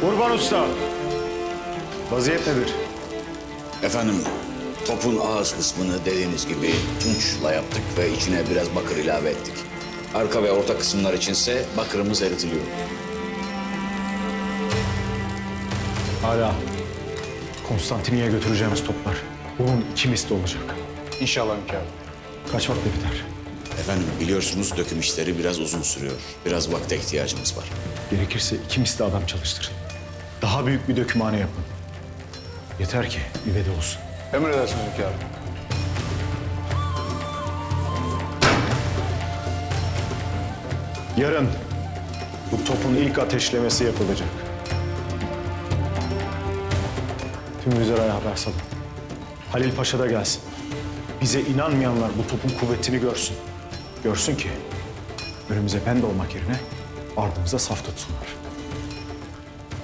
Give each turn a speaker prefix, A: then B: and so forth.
A: Urban Usta, vaziyet nedir?
B: Efendim, topun ağız kısmını dediğiniz gibi tunçla yaptık ve içine biraz bakır ilave ettik. Arka ve orta kısımlar içinse bakırımız eritiliyor.
A: Hala Konstantiniye götüreceğimiz toplar. Bunun 2 misli olacak.
C: İnşallah hünkârım.
A: Kaç vakte biter?
B: Efendim, biliyorsunuz döküm işleri biraz uzun sürüyor. Biraz vakte ihtiyacımız var.
A: Gerekirse 2 misli adam çalıştırın. Daha büyük bir dökümhane yapın. Yeter ki üvede olsun.
C: Emredersiniz hünkârım.
A: Yarın bu topun ilk ateşlemesi yapılacak. Tüm Vizara'ya haber salın. Halil Paşa da gelsin. Bize inanmayanlar bu topun kuvvetini görsün. Görsün ki önümüze pende olmak yerine ardımıza saf tutsunlar.